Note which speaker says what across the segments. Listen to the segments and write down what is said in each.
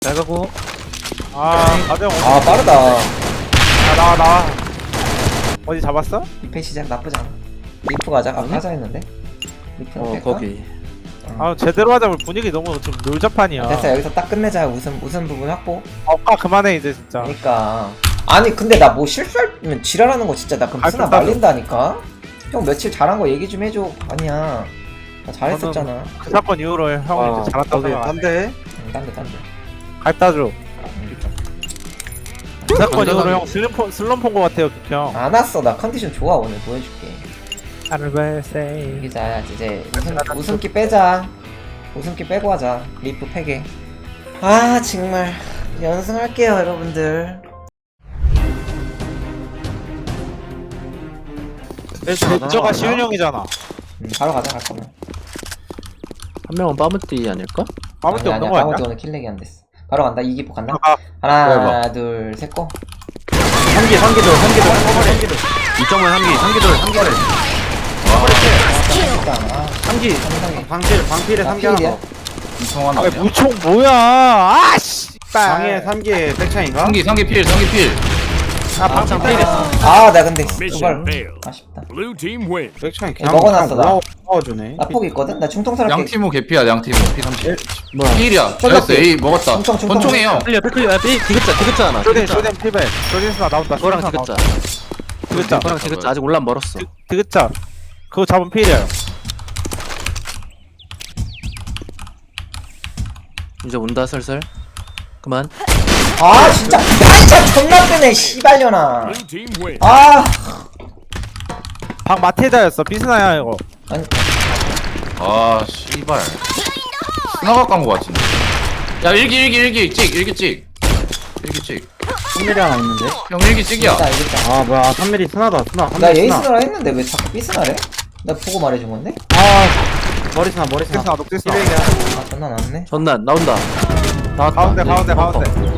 Speaker 1: 잘 가고.
Speaker 2: 가정.
Speaker 3: 빠르다.
Speaker 2: 나와. 어디 잡았어?
Speaker 3: 리페 시작 나쁘지 않아. 리프 가자. 하자 했는데. 리프는 뺄까?
Speaker 1: 거기.
Speaker 2: 제대로 하자면 분위기 너무 좀 놀자판이야.
Speaker 3: 됐어. 여기서 딱 끝내자. 우선 부분 확보.
Speaker 2: 그만해 이제 진짜.
Speaker 3: 그러니까 아니 근데 나 뭐 실수하면 지랄하는 거 진짜 나 그럼 스나 말린다니까. 형 며칠 잘한 거 얘기 좀 해줘. 아니야. 나 잘했었잖아.
Speaker 2: 그 사건 이후로 형은 이제 잘한다고 생각.
Speaker 1: 딴데.
Speaker 3: 딴데.
Speaker 2: 갈다줘. 그 사건 이후로 형 슬럼프 온거 같아요, 형.
Speaker 3: 안 왔어. 나 컨디션 좋아. 오늘 보여줄게.
Speaker 2: 아르바이세이.
Speaker 3: 이기자. 이제 웃음기 빼자. 웃음기 빼고 하자. 리프 패게. 정말 연승할게요, 여러분들.
Speaker 2: 저가 시윤 형이잖아.
Speaker 3: 바로 가자. 갈 거면.
Speaker 1: 한 명은 빠무띠 아닐까?
Speaker 2: 아무것도 없는 거
Speaker 3: 까먹기
Speaker 2: 아니야?
Speaker 3: 오늘 킬렉이 안 됐어. 바로 간다. 이기포 간다.
Speaker 1: 뭐야,
Speaker 3: 둘, 셋 고.
Speaker 1: 3기 2.5 3기돌 3기.
Speaker 3: 3기.
Speaker 1: 방필에 3기 하나 더.
Speaker 4: 이성환
Speaker 2: 아니
Speaker 4: 아니야?
Speaker 2: 무총 뭐야?
Speaker 1: 방에 3기에 백차인가?
Speaker 4: 3기 필
Speaker 2: 방금
Speaker 3: 나 근데
Speaker 5: Mission
Speaker 3: 그걸
Speaker 5: failed.
Speaker 3: 아쉽다.
Speaker 5: Blue team win.
Speaker 1: 백차인
Speaker 3: 먹어놨어, 나.
Speaker 1: 먹어주네.
Speaker 3: 나 폭 있거든? 나 충통스럽게.
Speaker 4: 양티모 개피야 양티모 P30
Speaker 1: 뭐야?
Speaker 4: 필이야
Speaker 3: 쏠
Speaker 4: 잘했어 A 먹었다
Speaker 3: 총총.
Speaker 4: 권총이에요
Speaker 1: 클리어 디귿자 하나.
Speaker 2: 쇼딘 필백. 쇼딘스나 나온다.
Speaker 1: 그거랑
Speaker 2: 쇼딘스나
Speaker 1: 디귿자.
Speaker 2: 디귿자.
Speaker 1: 그거랑 디귿자 아직 올라 멀었어.
Speaker 2: 디귿자. 그거 잡으면 필이야.
Speaker 1: 이제 온다 슬슬. 그만.
Speaker 3: 진짜. 차 존나 뜨네, 씨발려나.
Speaker 5: Blue team win.
Speaker 2: 방 마테다였어. 비스나야 이거.
Speaker 4: 아 씨발 스나가 깐거 같은데 야 일기 찍
Speaker 1: 3mm 하나 있는데.
Speaker 4: 형 일기 찍이야
Speaker 3: 이겼다.
Speaker 1: 뭐야 3mm 스나다 스나.
Speaker 3: 나 에이스나라 했는데 왜 자꾸 삐스나래? 나 보고 말해준 건데?
Speaker 1: 머리 스나.
Speaker 2: 녹디스나 녹디스나.
Speaker 3: 존나 나왔네.
Speaker 1: 전난 나온다. 나왔다.
Speaker 2: 가운데.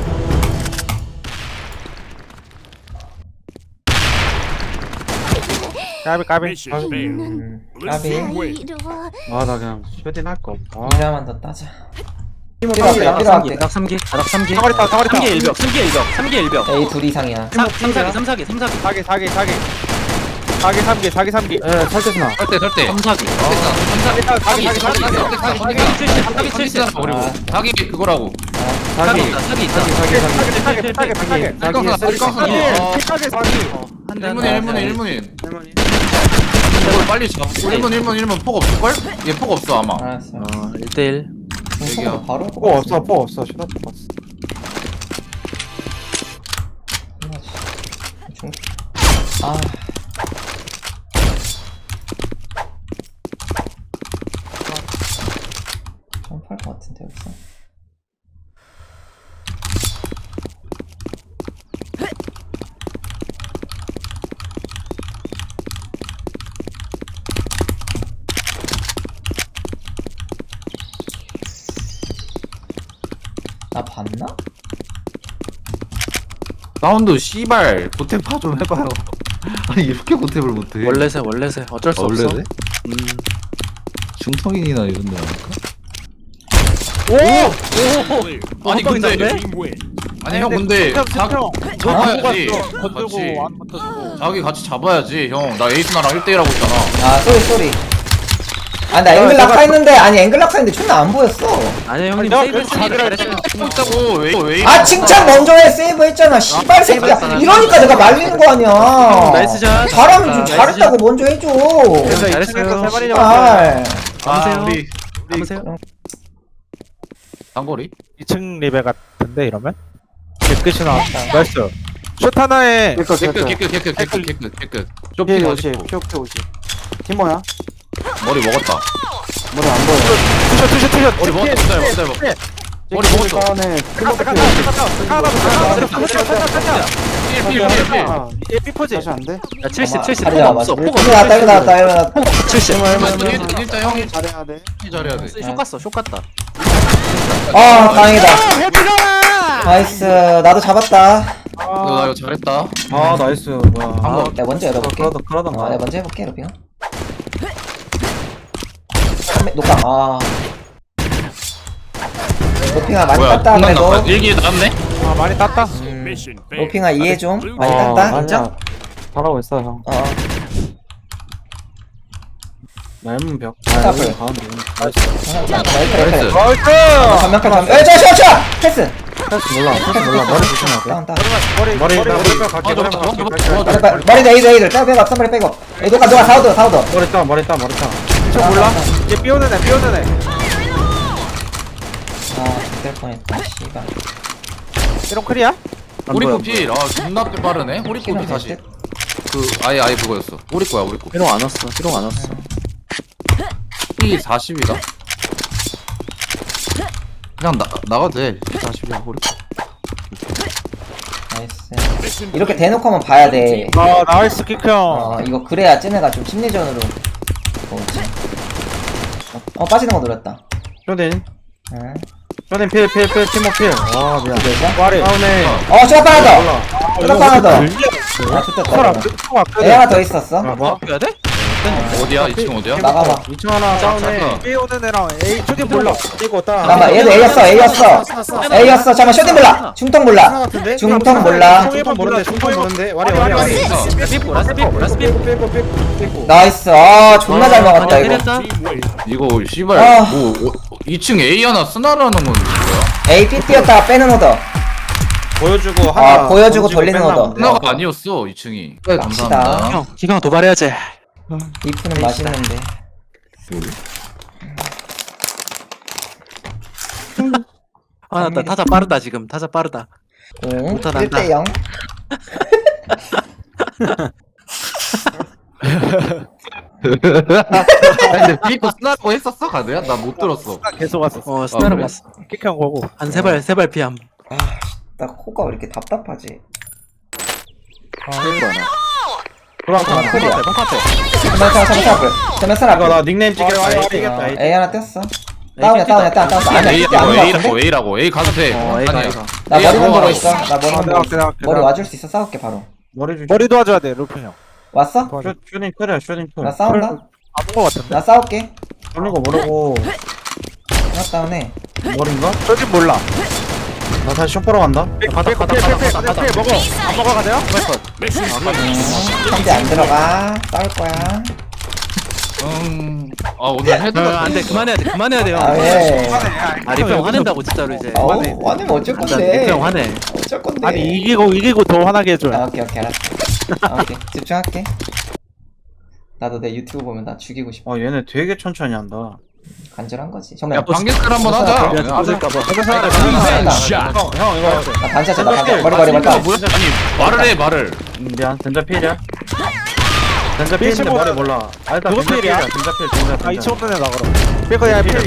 Speaker 2: 까비.
Speaker 5: Mission failed. Blue
Speaker 3: 까비.
Speaker 5: team win.
Speaker 1: 나 그냥 쇼딘 할 거.
Speaker 3: 이자만 더 따자.
Speaker 1: 필요할게.
Speaker 3: 필요할게.
Speaker 1: 딱 3기. 딱 3기.
Speaker 2: 사거리 있다.
Speaker 1: 3기 1벽.
Speaker 3: A 둘 이상이야.
Speaker 1: 3사기.
Speaker 2: 4기 3기.
Speaker 1: 예, 설대 스나.
Speaker 4: 설대
Speaker 1: 3사기.
Speaker 4: 사기 70 사기 그거라고
Speaker 1: 사기.
Speaker 4: 일문인 이걸 빨리 잡고 1문 폭 없을걸? 얘 폭 없어 아마
Speaker 3: 알았어.
Speaker 1: 1대1.
Speaker 4: 얘기야.
Speaker 3: 바로
Speaker 1: 포 없어. 슈다 포 없어.
Speaker 3: 점프할 것 같은데 여기서. 나 봤나?
Speaker 4: 사운드 씨발 고탭 파좀 해봐요 아니 이렇게 고탭을 못해
Speaker 1: 원래세. 어쩔 수 없어.
Speaker 4: 원래네? 중성인이나 이런 데
Speaker 5: Clear.
Speaker 4: 아니 근데
Speaker 5: Blue team win.
Speaker 4: 아니 형 근데 잡아야지
Speaker 2: 건들고
Speaker 4: 같이
Speaker 2: 안 건들고.
Speaker 4: 자기 같이 잡아야지 형 나 에이스나랑 1대1 하고 있잖아
Speaker 3: 쏘리. 나 앵글 낙하 했는데, 앵글 낙하 했는데 존나 안 보였어.
Speaker 1: 아니야 형님
Speaker 2: 아니,
Speaker 1: 세이브
Speaker 2: 나
Speaker 1: 했으니까 잘했어.
Speaker 4: 했다고 왜
Speaker 3: 칭찬 먼저 해. 세이브 했잖아. 씨발 새끼야. 이러니까 내가 말리는 거 아니야.
Speaker 1: 나이스 샷.
Speaker 3: 잘하면 좀
Speaker 1: 나이스
Speaker 3: 잘했다고 먼저 해줘.
Speaker 1: 잘했어요.
Speaker 3: 씨발.
Speaker 1: 남으세요.
Speaker 4: 우리
Speaker 1: 남으세요.
Speaker 4: 단거리?
Speaker 2: 2층 리베 같은데 이러면? 끝이 나왔다. 나이스. 슛 하나에
Speaker 4: 개끝 쇼핑
Speaker 1: 피해
Speaker 4: 50
Speaker 1: 50. 피해 50. 팀 뭐야?
Speaker 4: 머리 먹었다
Speaker 1: 머리 안 보여.
Speaker 2: 투샷.
Speaker 4: 머리 먹었다 기다려 머리 먹었어
Speaker 1: 가네.
Speaker 4: 필
Speaker 2: 삐포지.
Speaker 1: 다시 안 돼? 야
Speaker 3: 자리
Speaker 1: 폭
Speaker 3: 잡아.
Speaker 1: 없어. 폭
Speaker 3: 이거 나왔다. 이거 나왔다.
Speaker 1: 70.
Speaker 4: 일단 형이
Speaker 1: 잘해야 돼.
Speaker 4: 잘해야 돼
Speaker 1: 쇼 갔다.
Speaker 3: 다행이다. 나이스. 나도 잡았다.
Speaker 4: 나 이거 잘했다
Speaker 1: 나이스. 뭐야.
Speaker 3: 내가 먼저 열어볼게.
Speaker 1: 그러던가.
Speaker 3: 내가 먼저 해볼게, 로빙아. 녹강. 로핑아 많이
Speaker 4: 뭐야
Speaker 3: 땄다 그래도.
Speaker 4: 일기 나왔네?
Speaker 2: 아 많이 땄다.
Speaker 5: Mission failed.
Speaker 3: 로핑아 이해 좀. 많이
Speaker 1: 어,
Speaker 3: 땄다.
Speaker 1: 아니야.
Speaker 3: 인정?
Speaker 1: 잘하고 있어 형.
Speaker 3: 어.
Speaker 1: 얇은 벽.
Speaker 3: 스타플.
Speaker 1: 가운데.
Speaker 3: 나이스.
Speaker 4: 나이스.
Speaker 3: 전면칼 전면. 에이 저. 패스.
Speaker 1: 패스 몰라. 패스 몰라. 머리 조심해야 돼.
Speaker 3: 다운 다운.
Speaker 1: 머리
Speaker 2: 머리
Speaker 1: 갈게.
Speaker 3: 머리 에이들 빼고 빼고 앞선머리 빼고. 에이 누가 사우드.
Speaker 1: 머리 따. 머리 따.
Speaker 2: 저 몰라? 이제 삐오는 애.
Speaker 3: 아 죽될 뻔했다. 씨발.
Speaker 2: 이런 클이야?
Speaker 4: 호리코 필. 아 존나 빠르네. 호리코 필 다시. 그 아예 그거였어. 호리코야 호리코.
Speaker 1: 피롱 안 왔어. 피롱 안 왔어.
Speaker 4: 피 40이다. 그냥 나가도 돼. 피 40이야 호리코.
Speaker 3: 나이스.
Speaker 5: Mission
Speaker 3: 이렇게
Speaker 5: failed.
Speaker 3: 대놓고 하면 봐야 돼.
Speaker 2: 아 나이스 킥 형.
Speaker 3: 이거 그래야 쟤네가 좀 심리전으로 오지. 빠지는 거 노렸다.
Speaker 1: 쇼딘.
Speaker 3: 응.
Speaker 1: 쇼딘 필. 팀워 필. 와 미안.
Speaker 2: 말이.
Speaker 1: 다운에.
Speaker 3: 슈가 하나 더.
Speaker 1: 몰라.
Speaker 3: 슈가 하나 더. 아
Speaker 2: 서로
Speaker 3: 좋겠다.
Speaker 2: 안 끝.
Speaker 3: 애 하나 더 있었어.
Speaker 1: 아 뭐?
Speaker 2: 해야 돼?
Speaker 4: 어디야? 2층 어디야?
Speaker 3: 나가봐.
Speaker 1: 2층 하나 다운에.
Speaker 2: 삐오는 애랑 A 초딩 몰라.
Speaker 1: 뛰고 따.
Speaker 3: 나가봐. 얘도 A였어. 잠깐만 쇼딩 몰라. 중통 몰라. 중통 몰라.
Speaker 1: 중통 모르는데. 와리. 빼고.
Speaker 3: 나이스. 아 존나 잘 막았다 이거.
Speaker 5: Team win.
Speaker 4: 이거 씨발
Speaker 3: 아.
Speaker 4: 뭐 2층 A 하나 쓰나라는 건 뭐야?
Speaker 3: A B 뛰었다가 빼는 오더.
Speaker 1: 보여주고
Speaker 3: 아, 보여주고 돌리는 거다.
Speaker 4: 쓰나가 아니었어 2층이. 네
Speaker 3: 갑시다.
Speaker 4: 감사합니다.
Speaker 2: 기강 도발해야지.
Speaker 3: 리프는 맛있는데.
Speaker 6: 아, 나 타자 빠르다 지금. 타자 빠르다.
Speaker 3: 응.
Speaker 6: 못하다,
Speaker 3: 1대 0.
Speaker 4: 아니, 근데 비코 쓰나라고 했었어 가드야? 나 못 들었어.
Speaker 2: 계속 왔었어.
Speaker 6: 어, 스나라
Speaker 4: 그래?
Speaker 6: 봤어.
Speaker 2: 킥형 보고.
Speaker 6: 한 세발 피함.
Speaker 3: 나 코가 왜 이렇게 답답하지?
Speaker 1: 그럼
Speaker 3: 클이야.
Speaker 1: 똑같아.
Speaker 3: 잠깐만.
Speaker 1: 이거 나 닉네임 찍겠다.
Speaker 3: A 하나 떴어. 다운이야. 아니야,
Speaker 4: A
Speaker 3: 이때 안
Speaker 4: 라고
Speaker 3: 나왔는데?
Speaker 4: A라고 A 가도 돼.
Speaker 1: A가.
Speaker 3: 나
Speaker 4: A
Speaker 3: 머리
Speaker 4: 하고
Speaker 3: 만 보고
Speaker 4: 하라고.
Speaker 3: 있어. 나 머리 만 보고 있어. 머리 와줄 수 있어. 싸울게 바로.
Speaker 1: 머리 주시.
Speaker 2: 머리 도와줘야 돼 루프 형.
Speaker 3: 왔어?
Speaker 1: 쇼딩 클이야. 쇼딩 클.
Speaker 3: 나 싸운다.
Speaker 2: 아픈 거 같은데.
Speaker 3: 나 싸울게.
Speaker 1: 돌린 거 모르고
Speaker 3: 하나 다운해.
Speaker 1: 머리인가?
Speaker 2: 초딩 몰라.
Speaker 1: 나 다시 쇼퍼로 간다.
Speaker 2: 가다 먹어. 안 먹어 가세요?
Speaker 5: Mission failed.
Speaker 3: 상대 안 들어가. 싸울 거야.
Speaker 4: 아 오늘 헤드가
Speaker 6: 안돼 그만해야 돼. 그만해야 돼요.
Speaker 3: 아 왜?
Speaker 6: 아 리프 형 화낸다고 진짜로 이제.
Speaker 3: 화내면 어쩔
Speaker 6: 진짜
Speaker 3: 건데?
Speaker 6: 리프 형 화내.
Speaker 3: 어쩔 건데?
Speaker 2: 아니 이기고 더 화나게 해줘.
Speaker 3: 아, 오케이 알았어. 아, 오케이 집중할게. 나도 내 유튜브 보면 나 죽이고 싶어.
Speaker 1: 얘네 되게 천천히 한다.
Speaker 3: 간절한 거지.
Speaker 4: 야
Speaker 3: 정말.
Speaker 4: 방개클 한번 하자.
Speaker 6: 맞을까봐.
Speaker 5: Shot.
Speaker 1: 형 이거
Speaker 3: 나 반샷 쳤다. 머리.
Speaker 4: 뭐야? 아니 말을 해 말을.
Speaker 1: 미안. 덴자 필이야. 덴자 필인데
Speaker 2: 필
Speaker 1: 머리 몰라. 아 일단
Speaker 2: 누구
Speaker 1: 덴자
Speaker 2: 필이야?
Speaker 1: 필이야. 덴자 필.
Speaker 2: 아 2층 없는 애 나가라. 삐거야 필.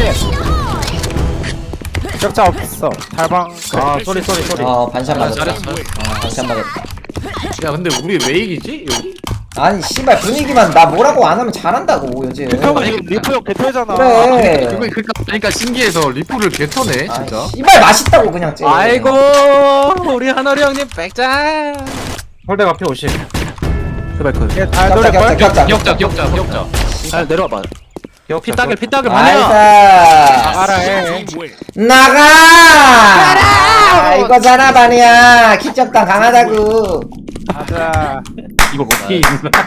Speaker 2: 적자 없어. 달방.
Speaker 1: 아 소리.
Speaker 3: 반샷 맞았다.
Speaker 4: 잘했어.
Speaker 3: 반샷 맞았다.
Speaker 4: 야 근데 우리 왜 이기지 여기?
Speaker 3: 아니 씨발 분위기만 나 뭐라고 안 하면 잘한다고 요즘.
Speaker 2: 형 지금 리프 형 개토잖아.
Speaker 3: 그래.
Speaker 4: 그러니까 신기해서 리프를 개터네
Speaker 3: 아,
Speaker 4: 진짜.
Speaker 3: 씨발 맛있다고 그냥 째.
Speaker 6: 아이고 우리 한월이 형님 백장.
Speaker 1: 홀대가 피 50.
Speaker 6: 제발 그.
Speaker 2: 잘
Speaker 3: 격자
Speaker 2: 노릴 걸?
Speaker 3: 격자.
Speaker 4: 기억자.
Speaker 6: 잘 내려와봐.
Speaker 1: 기억.
Speaker 6: 피따길 많아.
Speaker 3: 나이스.
Speaker 2: 알아 해.
Speaker 5: Team win.
Speaker 3: 나가. 이거잖아 반이야. 키적당 강하다고.
Speaker 2: 자.
Speaker 4: 이거 먹기.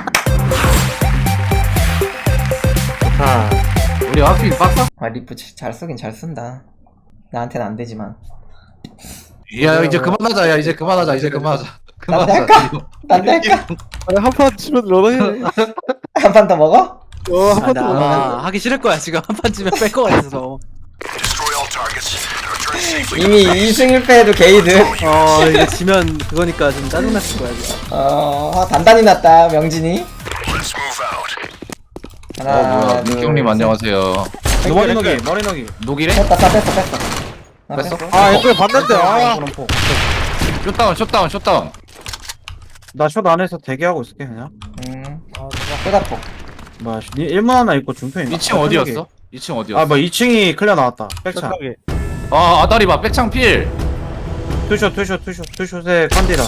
Speaker 1: 아.
Speaker 4: 우리 확실히 빡빡.
Speaker 3: 아 리프 잘 쓰긴 잘 쓴다. 나한테는 안 되지만.
Speaker 4: 야 이제 그만하자. 야 이제 그만하자.
Speaker 3: 딴데 할까? 딴데 할까?
Speaker 2: 한판 치면 러너해.
Speaker 3: 한 판 더 먹어?
Speaker 2: 한판 더.
Speaker 6: 아마 하기 싫을 거야 지금 한 판 찌면 뺄 거 같아서.
Speaker 3: 이미 2승 1패해도 게이드.
Speaker 6: 이게 지면 그거니까 좀 짜증났을 거야 지금.
Speaker 3: 단단히 났다 명진이. 하나
Speaker 4: 뭐야
Speaker 3: 둘
Speaker 4: nik형님
Speaker 3: 셋.
Speaker 4: 안녕하세요.
Speaker 1: 머리 녹이.
Speaker 4: 녹이래?
Speaker 3: 뺐어. 나
Speaker 4: 뺐어?
Speaker 3: 뺐어.
Speaker 2: 아 이거 봤는데. 아.
Speaker 4: 숏다운.
Speaker 1: 나숏 안에서 대기하고 있을게 그냥.
Speaker 3: 쏘다포.
Speaker 1: 뭐야 1문 하나 있고 중편이.
Speaker 4: 2층 어디였어? 2층 어디였어?
Speaker 1: 아뭐 2층이 클리어 나왔다. 백차.
Speaker 2: 생각이.
Speaker 4: 아 아다리 봐 백창필.
Speaker 1: 투숏의 컨디라.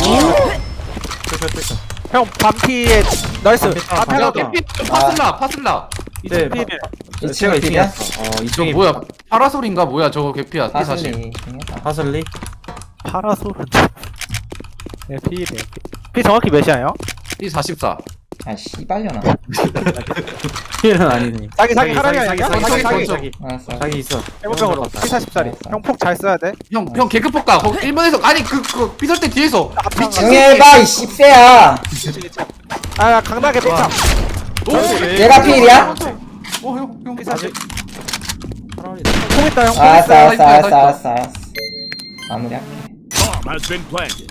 Speaker 1: 투숏.
Speaker 2: 형 반피에 나이스.
Speaker 1: 아,
Speaker 2: 앞에
Speaker 1: 야,
Speaker 2: 가.
Speaker 4: 파슬라.
Speaker 1: 네,
Speaker 2: 필.
Speaker 3: 2층에 필이야?
Speaker 4: 저 뭐야 파라솔인가 뭐야 저거 개피야 P40
Speaker 3: 하슬리.
Speaker 1: 하슬리.
Speaker 2: 파라솔은 네 P래 P 정확히 몇이야요?
Speaker 4: P44
Speaker 3: 아 씨발려나.
Speaker 1: 필은 아니니.
Speaker 2: 사기 사기 아니야?
Speaker 1: 사기.
Speaker 3: 알았어.
Speaker 1: 사기 있어.
Speaker 2: 해볼병으로 P40짜리 형 폭 잘 써야 돼
Speaker 4: 형 개급 가 거기 1번에서 아니 그 삐설 때 뒤에서
Speaker 3: 조용히 해봐 이 씹새야.
Speaker 2: 아 강나게 삐창
Speaker 3: 얘가 필이야?
Speaker 4: 형
Speaker 2: P40 폭 있다 형
Speaker 3: 알았어. 마무리할게.
Speaker 5: Bomb has been planted.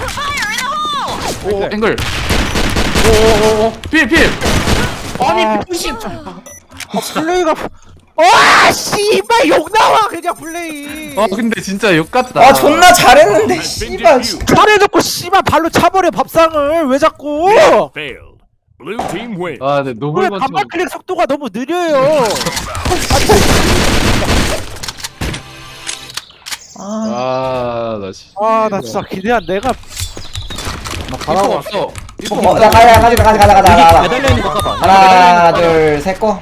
Speaker 4: 오 앵글 오오오오 필 아니 병신
Speaker 2: 플레이가 와 씨발 욕 나와 그냥 플레이
Speaker 4: 근데 진짜 욕같다
Speaker 3: 아 존나 잘했는데
Speaker 5: Has been
Speaker 3: 씨발.
Speaker 5: defused.
Speaker 2: 잘해놓고 씨발 발로 차버려 밥상을 왜 자꾸
Speaker 5: Failed. Blue team win.
Speaker 4: 아 네
Speaker 2: 왜
Speaker 4: 노블만
Speaker 2: 반발 클릭 속도가 너무 느려요
Speaker 4: 아나 진짜
Speaker 2: 아 나 진짜 기대한 내가
Speaker 4: 이거 없어
Speaker 3: 자 가자.
Speaker 1: 매달려 있는 거 봐봐.
Speaker 3: 하나 둘 셋 고.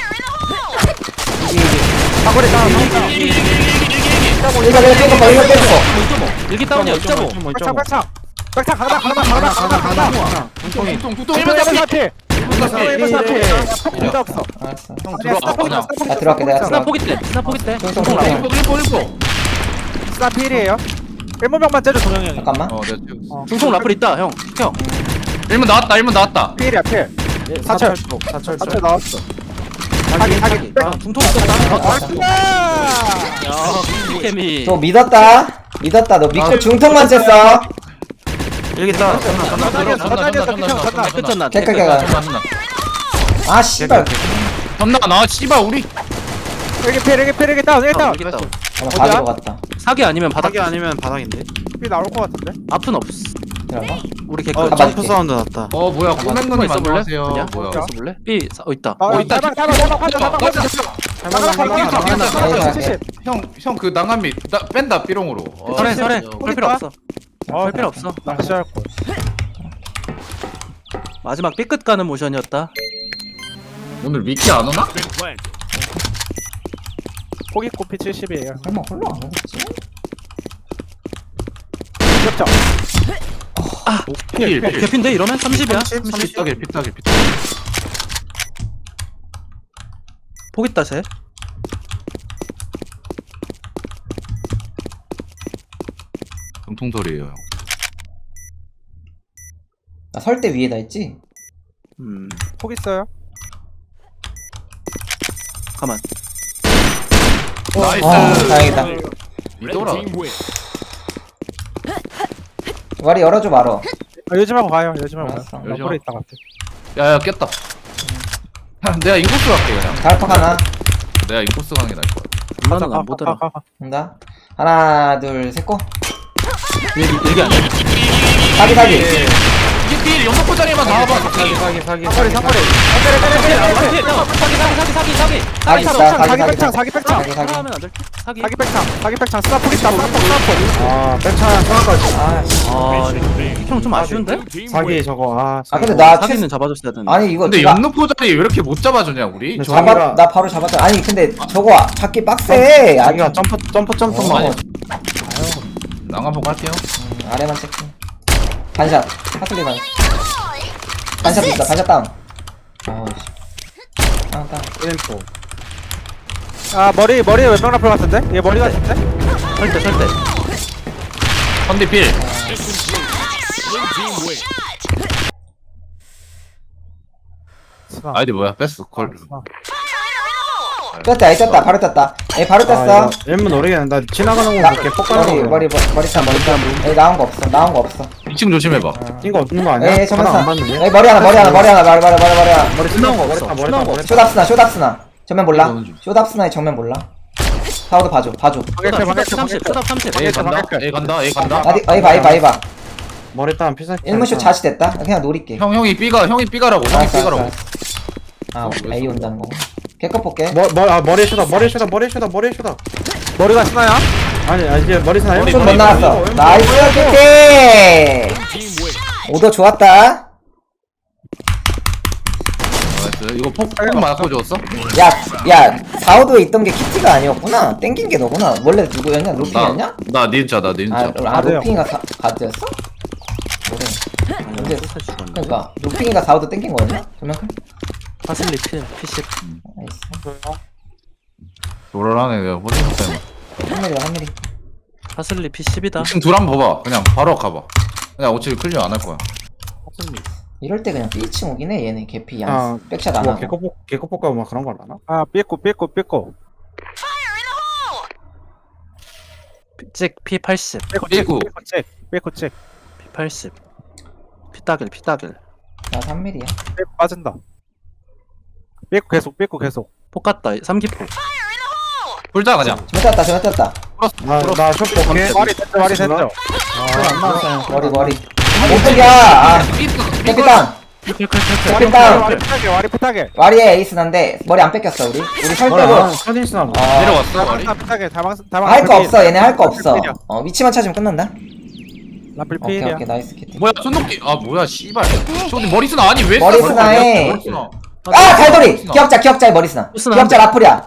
Speaker 2: 사거리 나
Speaker 3: 이거 내가 뺀거 봐. 이거 뺀거.
Speaker 1: 일기 다운이야. 1.5.
Speaker 2: 백창 강나
Speaker 4: 뚱뚱
Speaker 2: 1번 사태 폭 없어
Speaker 3: 알았어.
Speaker 4: 형 들어와 그냥
Speaker 3: 나 들어갈게 내가
Speaker 1: 스나
Speaker 3: 들어갈게.
Speaker 1: 포기 때. 스나 포기 때.
Speaker 3: 뚱뚱 뚱뚱.
Speaker 4: 1번
Speaker 2: 스나 필이에요 1번병만 째줘 동영이 형이
Speaker 3: 잠깐만.
Speaker 4: 내가 찍었어
Speaker 1: 중통 라플 있다. 형. 형.
Speaker 4: 1번 나왔다
Speaker 2: 필이야 필
Speaker 1: 사철.
Speaker 2: 사철 나왔어 사기
Speaker 1: 중통 있었다.
Speaker 2: 아
Speaker 1: 야, 케미.
Speaker 3: 너 믿었다. 너 믿고 중통만 쬐어.
Speaker 1: 일기 다운.
Speaker 4: 전나
Speaker 1: 끝났나?
Speaker 3: 개꿀개가. 아 씨발.
Speaker 4: 나 씨발 우리
Speaker 2: 일기 다운
Speaker 1: 일기 다운.
Speaker 3: 가지러 갔다.
Speaker 1: 사기 아니면 바닥.
Speaker 6: 사기 아니면 바닥인데.
Speaker 2: 필 나올 것 같은데
Speaker 1: 앞은 없어.
Speaker 3: 들어가.
Speaker 1: 우리 개꿀.
Speaker 3: 가만히
Speaker 6: 점프
Speaker 3: 있게.
Speaker 6: 사운드 났다.
Speaker 4: 뭐야 꼬맹거님
Speaker 1: 있어 볼래?
Speaker 4: 안녕하세요
Speaker 1: 그냥?
Speaker 4: 뭐야
Speaker 1: 있어 볼래? B 있다.
Speaker 4: 있다. 형 그 낭한미 뺀다 삐롱으로
Speaker 1: 설해. 할 필요 없어. 할 필요 없어.
Speaker 2: 낚시할 거
Speaker 1: 마지막 B끝 가는 모션이었다.
Speaker 4: 오늘 미키 안 오나?
Speaker 5: Been planted.
Speaker 2: 포기 코피 70이에요
Speaker 3: 설마 홀로 안 오겠지?
Speaker 2: 귀엽죠?
Speaker 4: 필
Speaker 1: 개핀데 이러면 30이야.
Speaker 4: 30 피따길
Speaker 1: 포기 따세.
Speaker 4: 정통소리에요 형
Speaker 3: 나 설대 위에다 있지?
Speaker 2: 포기 있어요
Speaker 1: 가만.
Speaker 4: 나이스
Speaker 3: 다행이다.
Speaker 5: Red
Speaker 4: 이더라
Speaker 5: team win.
Speaker 3: 와리 열어줘 말어.
Speaker 2: 요즘하고 가요 요즘하고
Speaker 3: 알았어.
Speaker 2: 가요 나 볼에 있다 갈게
Speaker 4: 야야 깼다 내가 인코스 갈게 그냥
Speaker 3: 달팍 하나.
Speaker 4: 내가 인코스 가는 게 나을 거야
Speaker 1: 이거는 안 보더라.
Speaker 3: 간다. 하나 둘 셋 고.
Speaker 1: 일기 아니야.
Speaker 3: 사기.
Speaker 4: 이게 필 연속포자리만 나와봐
Speaker 1: 사기.
Speaker 2: 사거리
Speaker 3: 사기 있다.
Speaker 2: 사기 백창
Speaker 3: 사기.
Speaker 1: 하면 안 될. 사기.
Speaker 2: 사기 백창 스나 포기 있다 스나 포기 아 백창 스나까지
Speaker 3: 아,
Speaker 5: Mission failed.
Speaker 1: 형 좀 아쉬운데?
Speaker 5: Blue team win.
Speaker 2: 저거
Speaker 3: 아 근데 나
Speaker 1: 사기는 잡아줬어야 되는데.
Speaker 3: 아니 이거
Speaker 4: 근데
Speaker 3: 제가
Speaker 4: 연속포자리 왜 이렇게 못 잡아주냐 우리?
Speaker 3: 나 바로 잡았다. 아니 근데 저거 잡기 빡세. 아니
Speaker 4: 점프만 낭한복 할게요
Speaker 3: 아래만 체크. 반샷. 하슬리만. 반샷 있다. 반샷 다운. 아우씨. 다운.
Speaker 2: 아 머리에 왼병 라플 같은데? 얘 머리 같은데?
Speaker 1: 설대.
Speaker 4: 컨디 필
Speaker 5: Mission clear. Blue team win.
Speaker 2: 스나
Speaker 4: 아이디 뭐야 뺐어 걸
Speaker 2: 스나.
Speaker 3: 떴다. 떴다. 바로 떴다. 에 바로 떴어.
Speaker 6: 엠은 모르겠는데 나 지나가는
Speaker 3: 나
Speaker 6: 거 이렇게 폭가는
Speaker 3: 머리 머리탄. 에 나온 거 없어.
Speaker 4: 2층 조심해봐
Speaker 6: 이거 없는 거 아니야?
Speaker 3: 에
Speaker 6: 바닥
Speaker 3: 전면사.
Speaker 6: 안 봤는데?
Speaker 3: 에 머리 하나. 머리 하나.
Speaker 6: 머리 쓰나온 거 없어.
Speaker 3: 쇼답스나. 정면 몰라. 쇼답스나의 정면 몰라. 사우도 봐줘.
Speaker 2: 방액
Speaker 1: 30. 수답 30.
Speaker 4: A 간다
Speaker 3: 아이 봐.
Speaker 6: 머리 따면 피살.
Speaker 3: 일문쇼 자시 됐다. 나 그냥 노릴게.
Speaker 4: 형이 삐가라고
Speaker 3: 알았어. 아 A 온다는 거. 개껏 볼게.
Speaker 6: 머리에 쇼다.
Speaker 2: 머리가 스나야?
Speaker 6: 아니 이제 머리 쓰나
Speaker 4: 머리,
Speaker 3: 손 못
Speaker 4: 머리,
Speaker 3: 나갔어. 나이스 키티.
Speaker 5: Blue team win.
Speaker 3: 오더 좋았다.
Speaker 4: 나이스. 이거 폭 맞고 줬어?
Speaker 3: 야 4호도에 있던 게 키티가 아니었구나. 땡긴 게 너구나. 원래 누구였냐? 루핑이었냐?
Speaker 4: 나 닌자, 나 닌자.
Speaker 3: 아 루핑이가 가드였어? 그래. 근데 그러니까 루핑이가 4호도 땡긴 거였냐? 그만큼?
Speaker 6: 파슬리 필 P10
Speaker 3: 나이스.
Speaker 4: 노랄하네, 내가 보니까 때문에.
Speaker 3: 3mm다 3mm.
Speaker 6: 파슬리 P10이다.
Speaker 4: 지금 둘 한번 봐봐. 그냥 바로 가봐. 그냥 어차피 클리어 안 할 거야.
Speaker 3: 이럴 때 그냥 B층 오긴 해 얘네 개피
Speaker 1: 아,
Speaker 3: 양 백샷 안
Speaker 1: 뭐
Speaker 3: 하고.
Speaker 1: 개코볶아 뭐 그런 걸 하나?
Speaker 2: 아 삐꼬
Speaker 6: 찍 P80
Speaker 4: 삐꾸.
Speaker 2: 삐꼬 찍
Speaker 6: P80 피따길
Speaker 3: 나 3mm야.
Speaker 2: 삐꼬 빠진다 삐꼬 계속
Speaker 6: 폭 갔다 3기포
Speaker 4: 불자 그냥.
Speaker 3: 잘못 떴다.
Speaker 1: 나 숏볼게.
Speaker 2: 말이 됐죠
Speaker 1: 안 나왔어요.
Speaker 3: 머리. 오픈이야. 아 뺏겼다. 뺏겼다.
Speaker 2: 와리 피타게
Speaker 3: 와리에 에이스 난데 머리 안 뺏겼어 우리 설 빼고.
Speaker 1: 서진스나 뭐.
Speaker 4: 내려왔어, 말이.
Speaker 2: 피타게 다망
Speaker 3: 할 거 없어 얘네 할 거 없어. 위치만 찾으면 끝난다.
Speaker 2: 라플
Speaker 3: 오케이
Speaker 2: 필이야
Speaker 3: 오케이 나이스 키티.
Speaker 4: 뭐야, 손목기. 아, 뭐야, 씨발. 저기 머리스나 아니, 왜
Speaker 3: 머리
Speaker 4: 쏴?
Speaker 3: 스나에.
Speaker 4: 머리스나.
Speaker 3: 아 달돌이. 기억자의 머리스나.
Speaker 6: 스나
Speaker 3: 기억자 라풀이야.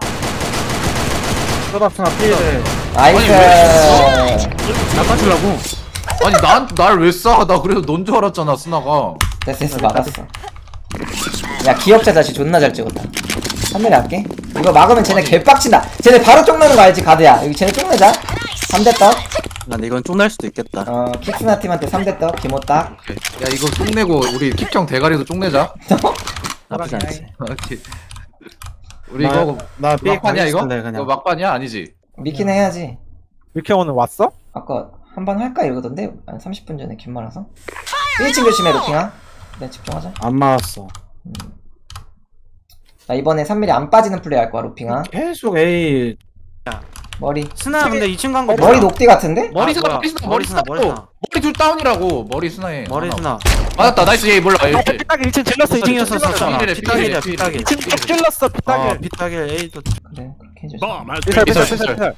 Speaker 1: 쇼답스나 피해를.
Speaker 3: 나이스.
Speaker 6: 나빠주려고
Speaker 4: 아니, 날 왜 쏴? 나 그래도 넌 줄 알았잖아, 스나가.
Speaker 3: 됐어 막았어. 야 기억자 자식 존나 잘 찍었다. 3mm 할게. 이거 막으면 쟤네 개빡친다. 쟤네 바로 쪽내는 거 알지 가드야. 여기 쟤네 쪽내자. 3대 떡.
Speaker 6: 난 이건 쫑날 수도 있겠다.
Speaker 3: 킥스나 팀한테 3대 떡. 기모 딱.
Speaker 4: 야, 이거 쪽내고, 우리 킥형 대가리도 쪽내자.
Speaker 6: 나쁘지 않지.
Speaker 4: 오케이. 우리 이거
Speaker 1: 나 삐
Speaker 4: 막판이야, 이거?
Speaker 1: 가겠을래,
Speaker 4: 이거
Speaker 1: 그냥.
Speaker 4: 막판이야? 아니지?
Speaker 3: 미킨 해야지.
Speaker 2: 미케 오늘 왔어?
Speaker 3: 아까 한 번 할까 이러던데 한 30분 전에 긴 말아서 1층 조심해 로킹아. 네 집중하자.
Speaker 1: 안 맞았어.
Speaker 3: 나 이번에 3mm 안 빠지는 플레이 할 거야 로핑아.
Speaker 1: 계속 A.
Speaker 3: 머리
Speaker 1: 스나 근데 2층 간 거.
Speaker 3: 머리 녹디 같은데?
Speaker 4: 머리스나,
Speaker 6: 뭐야.
Speaker 4: 머리스나. 머리 둘 다운이라고. 머리스나에.
Speaker 6: 머리스나
Speaker 4: 맞았다, 나이스. 얘 몰라. 얘.
Speaker 2: 피타게 1층 질렀어
Speaker 6: 2층이었었잖아.
Speaker 4: 피타길이래,
Speaker 6: 피타길이야
Speaker 4: 피타길.
Speaker 6: 피타길
Speaker 2: 2층 쭉 질렀어 피타게
Speaker 6: 피타길 A도
Speaker 3: 그래 그렇게 해줘.
Speaker 5: Bomb has
Speaker 2: 피살
Speaker 5: been
Speaker 2: 피살
Speaker 5: planted.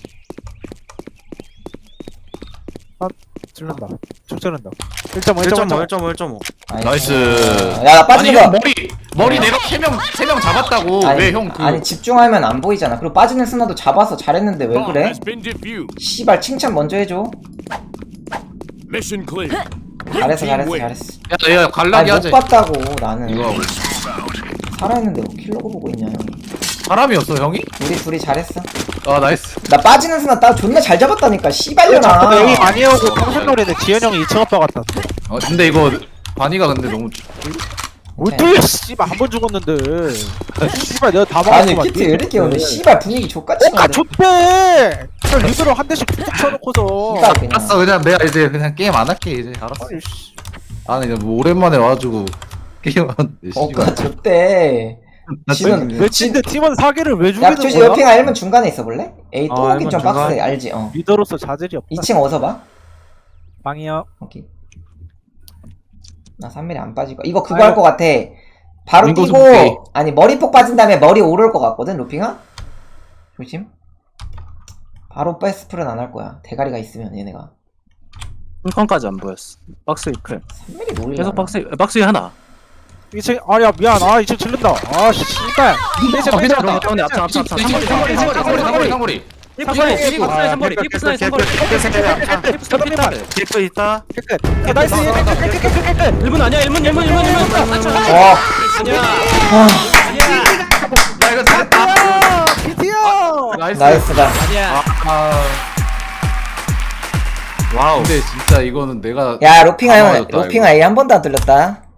Speaker 2: 질른다 쭉 지른다 1.5
Speaker 6: 1.5
Speaker 4: 나이스.
Speaker 3: 야나
Speaker 4: 아니,
Speaker 3: 빠지는
Speaker 4: 형
Speaker 3: 거.
Speaker 4: 머리 내가 3명 잡았다고. 왜 형 그.
Speaker 3: 아니 집중하면 안 보이잖아. 그리고 빠지는 스나도 잡아서 잘했는데 왜
Speaker 5: Bomb
Speaker 3: 그래?
Speaker 5: has been defused.
Speaker 3: 씨발 칭찬 먼저 해줘.
Speaker 5: Mission clear.
Speaker 3: 잘했어
Speaker 5: Team
Speaker 3: 잘했어
Speaker 5: win.
Speaker 3: 잘했어.
Speaker 4: 야, 갈라기
Speaker 3: 아니
Speaker 4: 하자.
Speaker 3: 못 봤다고 나는.
Speaker 4: 이거 하고.
Speaker 3: 살아있는데 뭐 킬러고 보고 있냐 형이.
Speaker 4: 사람이었어, 형이?
Speaker 3: 우리 둘이 잘했어.
Speaker 4: 아, 나이스.
Speaker 3: 나 빠지는 스나 나 존나 잘 잡았다니까
Speaker 2: 자꾸
Speaker 3: 씨발려나.
Speaker 2: A 많이 오고 평생놀이는 지현 형이 2층 아빠 같다
Speaker 4: 근데 이거, 바니가 근데 너무.
Speaker 2: 뭘 뚫려 씨발 한 번 죽었는데 씨발 내가 다
Speaker 3: 아니
Speaker 2: 막았구만
Speaker 3: 키트 왜 이렇게 오네. 씨발 분위기 족같이
Speaker 2: 아 좋대 저 리드로 한 대씩 툭툭 쳐놓고서
Speaker 3: 씨발 그냥.
Speaker 4: 알았어, 그냥 내가 이제 그냥 게임 안 할게, 이제. 알았어. 아니, 이제 뭐 오랜만에 와가지고. 게임 안 해,
Speaker 3: 어까
Speaker 4: 씨발.
Speaker 3: 좋대. 지는
Speaker 2: 외친데 팀원 사기를 왜
Speaker 3: 야
Speaker 2: 죽이는
Speaker 3: 조시
Speaker 2: 거야?
Speaker 3: 옆핑아 1문 중간에 있어 볼래? 에이 또
Speaker 1: 아,
Speaker 3: 오긴 좀
Speaker 1: 1문 중간?
Speaker 3: 빡세 알지?
Speaker 2: 리더로서 자질이 없다
Speaker 3: 2층 어디서 봐?
Speaker 2: 빵이요
Speaker 3: 오케이. 나 3mm 안 빠질 거. 이거 그거 할 거 같아. 바로
Speaker 4: 윈도우
Speaker 3: 뛰고
Speaker 4: 스프레이.
Speaker 3: 아니 머리폭 빠진 다음에 머리 오를 거 같거든 루핑아? 조심. 바로 패스풀은 안 할 거야. 대가리가 있으면 얘네가.
Speaker 6: 홈컨까지 안 보였어. 박스 클
Speaker 3: 3mm 노리려.
Speaker 6: 계속 박스 하나
Speaker 2: 2층 아야 미안 아 2층 질른다 아 씨발
Speaker 6: 그럼 때문에 앞장
Speaker 4: 상거리.
Speaker 6: 삼거리 개프 있다
Speaker 2: 나이스
Speaker 6: 1분 아니야 1분
Speaker 3: 와.
Speaker 6: 아니야
Speaker 4: 야, 이거 잘했다.
Speaker 2: 피티어
Speaker 4: 나이스.
Speaker 3: 나이스다.
Speaker 6: 아니야
Speaker 4: 와우. 근데 진짜 이거는 내가.
Speaker 3: 야 로핑아
Speaker 4: 다
Speaker 3: 형
Speaker 4: 맞았다,
Speaker 3: 로핑아 A 한 번도 안 뚫렸다.